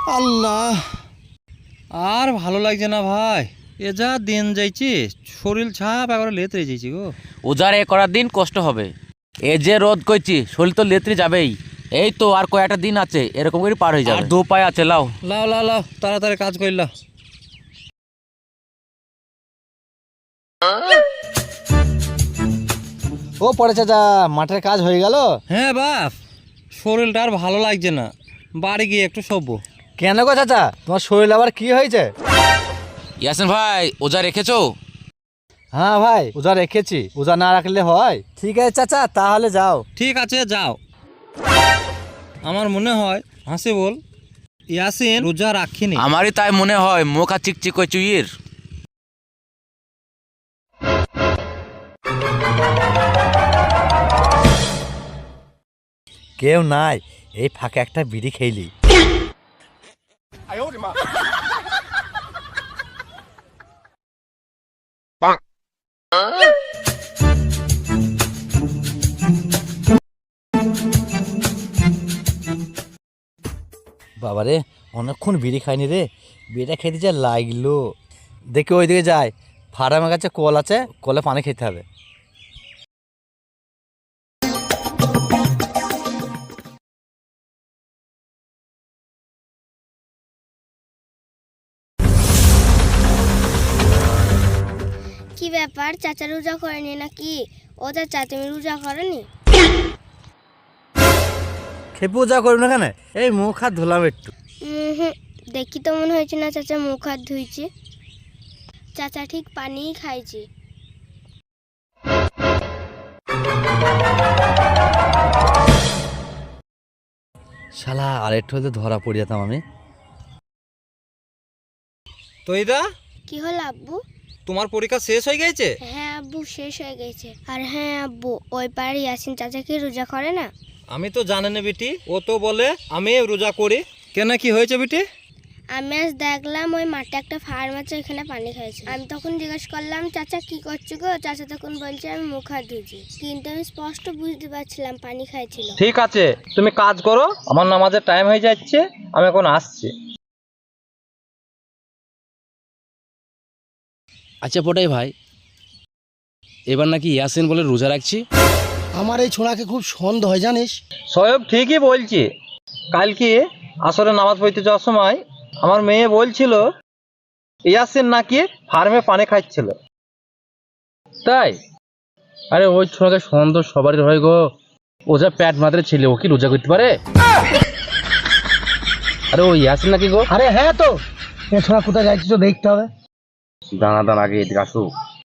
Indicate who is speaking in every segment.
Speaker 1: আল্লাহ, আর ভালো লাগছে না ভাই। এ যা দিন যাইছি, শরীর ছাপ একবারে লেতরে যাইছি গো।
Speaker 2: উজার এ করার দিন কষ্ট হবে। এ যে রোদ করছি, শরীর তো লেত্রে যাবেই। এই তো আর কয়েকটা দিন আছে, এরকম করে পার হয়ে যাবে। আর দু পায়ে আছে, লাও
Speaker 1: লাও লাও লাও, তাড়াতাড়ি কাজ করলা।
Speaker 3: ও পড়ে চাচা, মাঠের কাজ হয়ে গেল?
Speaker 1: হ্যাঁ বাপ, শরীরটা আর ভালো লাগছে না, বাড়ি গিয়ে একটু শোবো।
Speaker 3: কেন গো চাচা, তোমার শরীর আবার কি হয়েছে?
Speaker 2: ইয়াসিন ভাই, ওজা রেখেছো?
Speaker 3: হ্যাঁ ভাই, ওজা রেখেছি। ওজা না রাখলে হয়? ঠিক আছে চাচা, তাহলে যাও।
Speaker 1: ঠিক আছে যাও। আমার মনে হয় হাসি বল ইয়াসিন রোজা রাখিনি।
Speaker 2: আমারই তাই মনে হয়, মুখ আর চিকচিক ওই চুইয়ের।
Speaker 3: কেউ নাই, এই ফাঁকে একটা বিড়ি খেলি। বাবারে, অনেকক্ষণ বিড়ি খাইনি রে, বিড়িটা খেতে যা লাগলো। দেখি ওইদিকে যায়, ফার্মের কাছে কল আছে, কলে পানি খেতে হবে।
Speaker 4: কি ব্যাপার, চাচা রোজা করেনি নাকি? ও চাচা, তুমি রোজা করনি?
Speaker 3: খেয়ে পূজা করুন না কেন, এই মুখ হাত ধুলাম একটু।
Speaker 4: দেখি তো মনে হয়েছে না চাচা মুখ হাত ধুইছে। চাচা ঠিক পানিই খাইছে।
Speaker 3: শালা, আর একটু হয়তো ধরা পড়ে যেতাম আমি।
Speaker 1: তো এইদা,
Speaker 4: কি হলো আব্বু?
Speaker 1: তোমার পরীক্ষা শেষ হয়ে গেছে?
Speaker 4: হ্যাঁ আব্বু, শেষ হয়ে গেছে। আর হ্যাঁ আব্বু, ওই পাড়ে ইয়াসিন চাচা কি রোজা করে না?
Speaker 1: আমি তো জানি না বেটি, ও তো বলে আমি রোজা করি। কেন, কি হয়েছে বেটি?
Speaker 4: আমি আজ দেখলাম ওই মাঠে একটা ফার্ম আছে, ওইখানে পানি খাইছে। আমি তখন জিজ্ঞেস করলাম, চাচা কি করছো গো? চাচা তখন বলছে আমি মুখ হাত ধুইছি, কিন্তু আমি স্পষ্ট বুঝতে পারছিলাম পানি খাইছিল।
Speaker 1: ঠিক আছে, তুমি কাজ করো, আমার নামাজের টাইম হয়ে যাচ্ছে, আমি এখন আসছি।
Speaker 5: আচ্ছা পটাই ভাই, এবার নাকি ইয়াসিন বলে রোজা রাখছি।
Speaker 6: আমার এই ছোঁড়াকে খুব সন্দেহ হয় জানিস।
Speaker 1: সয়ব ঠিকই বলছি। কালকে আসরে নামাজ পড়তে যাওয়ার সময় আমার মেয়ে বলছিল ইয়াসিন নাকি ফার্মে পানি খাচ্ছিল।
Speaker 5: তাই? আরে ওই ছোড়াকে সন্দেহ সবারই হয় গো। ও যা প্যাট মাত্রে ছেলে, ও কি রোজা করতে পারে? আরে ওই ইয়াসিন নাকি গো?
Speaker 6: আরে হ্যাঁ, তো এ ছোঁড়া কোথায় যাচ্ছি তো দেখতে হবে।
Speaker 5: দানা দানা আগে এদিকে আসো।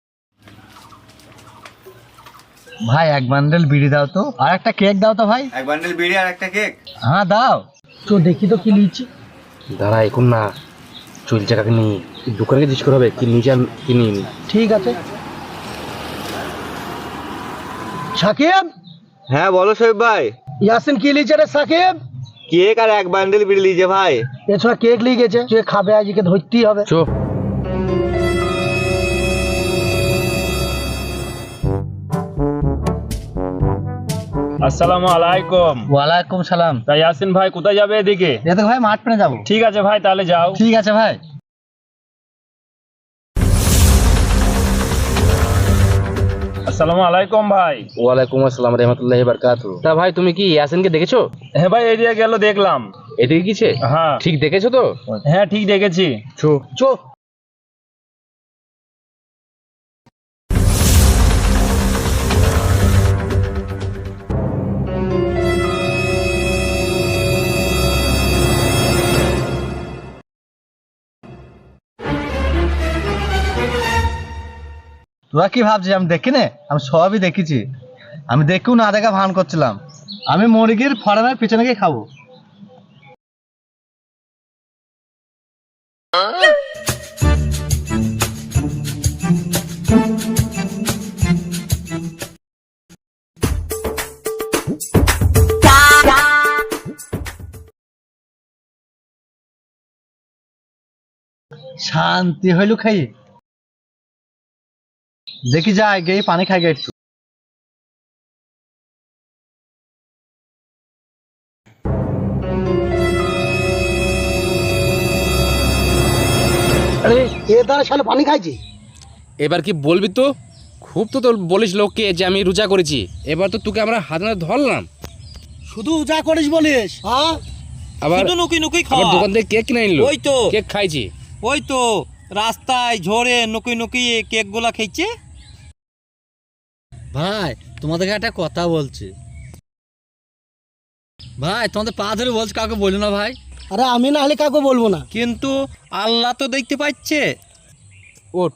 Speaker 3: ভাই, এক বান্ডেল বিড়ি দাও তো, আর একটা কেক দাও তো ভাই।
Speaker 7: এক বান্ডেল বিড়ি আর একটা কেক।
Speaker 3: হ্যাঁ দাও।
Speaker 6: তো দেখি তো কি লিখছি।
Speaker 5: দাঁড়া, এখন না, চলছে কাকে নিয়ে দোকানে জিজ্ঞেস করা হবে কি নিচে কি নিয়ে।
Speaker 6: ঠিক আছে। সাকিব,
Speaker 7: হ্যাঁ বলো শোয়েব ভাই।
Speaker 6: ইয়াসিন কি লিখছে রে সাকিব?
Speaker 7: কেক আর এক বান্ডেল বিড়ি লিজে ভাই।
Speaker 6: এ ছোঁড়া কেক লিখে গেছে, যে খাবে আজকে ধরতেই হবে।
Speaker 5: চো।
Speaker 8: আসসালামু আলাইকুম।
Speaker 3: ওয়ালাইকুম সালাম।
Speaker 8: তা ইয়াসিন ভাই কোথায় যাবে এদিকে?
Speaker 3: এতে ভাই মাঠ পেনে যাবো।
Speaker 8: ঠিক আছে ভাই, তাহলে যাও।
Speaker 3: ঠিক আছে ভাই।
Speaker 8: আসসালামু আলাইকুম ভাই।
Speaker 5: ওয়ালাইকুম আসসালাম রহমতুল্লাহি বারাকাতু। তা ভাই, তুমি কি ইয়াসিনকে দেখেছো?
Speaker 8: হ্যাঁ ভাই, এদিকে গেল দেখলাম।
Speaker 5: এদিকে কিছে?
Speaker 8: হ্যাঁ
Speaker 5: ঠিক দেখেছো তো?
Speaker 8: হ্যাঁ, ঠিক দেখেছি।
Speaker 5: চো
Speaker 6: চো।
Speaker 3: তোরা কি ভাবছিস আমি দেখি না? আমি সবই দেখেছি। আমি দেখেও না দেখা ভান করছিলাম। আমি মুরগির ফার্মের পিছনে গিয়ে খাবো। শান্তি হইল খাই। দেখি যাই গিয়ে পানি খাই গে একটু।
Speaker 6: আরে এ দ্বারা শালা পানি খাইছে।
Speaker 5: এবার কি বলবি তো? খুব তো তোর বলিস লোককে যে আমি রোজা করেছি, এবার তো তোকে আমরা হাতে নাতে ধরলাম।
Speaker 6: শুধু যা করিস বলিস, হ্যাঁ?
Speaker 5: আবার
Speaker 2: নুকি নুকি
Speaker 5: আবার দোকান থেকে কেক কিনে আনলো,
Speaker 2: ওই তো
Speaker 5: কেক খাইছি।
Speaker 2: ওই তো রাস্তায় ঝরে নুকি নুকি কেক গুলা খেয়েছে।
Speaker 3: ভাই তোমাদেরকে একটা কথা বলছি ভাই, তোমাদের পা ধরে বলছি, কাউকে বলো না ভাই।
Speaker 6: আরে আমি না হলে কাউকে বলবো না।
Speaker 2: কিন্তু আল্লাহ তো দেখতে পাচ্ছে।
Speaker 5: ওঠ,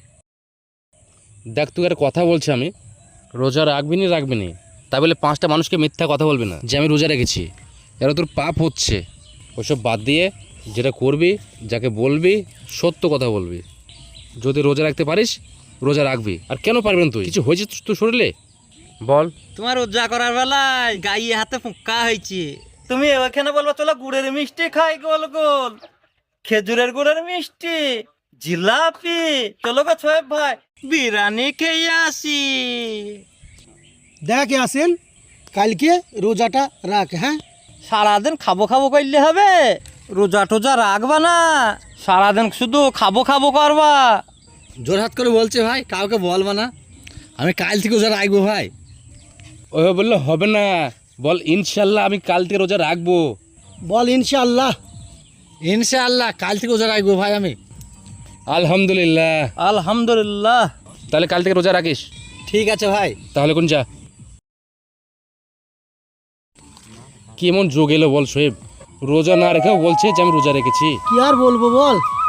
Speaker 5: দেখ তুই একটা কথা বলছি, আমি রোজা রাখবি নি, তাই বলে 5টা মানুষকে মিথ্যা কথা বলবি না যে আমি রোজা রেখেছি। এরা তোর পাপ হচ্ছে। ওসব বাদ দিয়ে যেটা করবি, যাকে বলবি সত্য কথা বলবি। যদি রোজা রাখতে পারিস রোজা রাখবি। আর কেন পারবেন তুই? কিছু হয়েছে তোর শরীরে? বল।
Speaker 2: তোমার রোজা করার বেলায় গায়ে হাতে ফুঁকা হয়েছে, তুমি ওখানে বলবো চলো গুড়ের মিষ্টি খাই, গোল গোল খেজুরের গুড়ের মিষ্টি, জিলাপি, চলো গো ছোয়েব ভাই বিরিয়ানি খেয়ে আসি।
Speaker 6: দেখ আসেন, কালকে রোজাটা রাখ, হ্যাঁ?
Speaker 2: সারাদিন খাবো খাবো করলে হবে? রোজা টোজা রাখবা না, সারাদিন শুধু খাবো খাবো করবা।
Speaker 3: জোর হাত করে বলছে ভাই, কাউকে বলবা না, আমি কাল থেকে রোজা রাখবো ভাই।
Speaker 5: ওই বললে হবে না, বল ইনশাল্লাহ আমি কাল থেকে রোজা রাখবো।
Speaker 6: বল ইনশাআল্লাহ।
Speaker 3: ইনশাআল্লাহ কাল থেকে রোজা রাখবো ভাই আমি।
Speaker 5: আলহামদুলিল্লাহ।
Speaker 2: আলহামদুলিল্লাহ।
Speaker 5: তাহলে কাল থেকে রোজা রাখিস।
Speaker 3: ঠিক আছে ভাই।
Speaker 5: তাহলে কোন যা। কি এমন যোগ এলো বল শোয়েব, রোজা না রেখেও বলছে যে আমি রোজা রেখেছি।
Speaker 6: কি আর বলবো বল,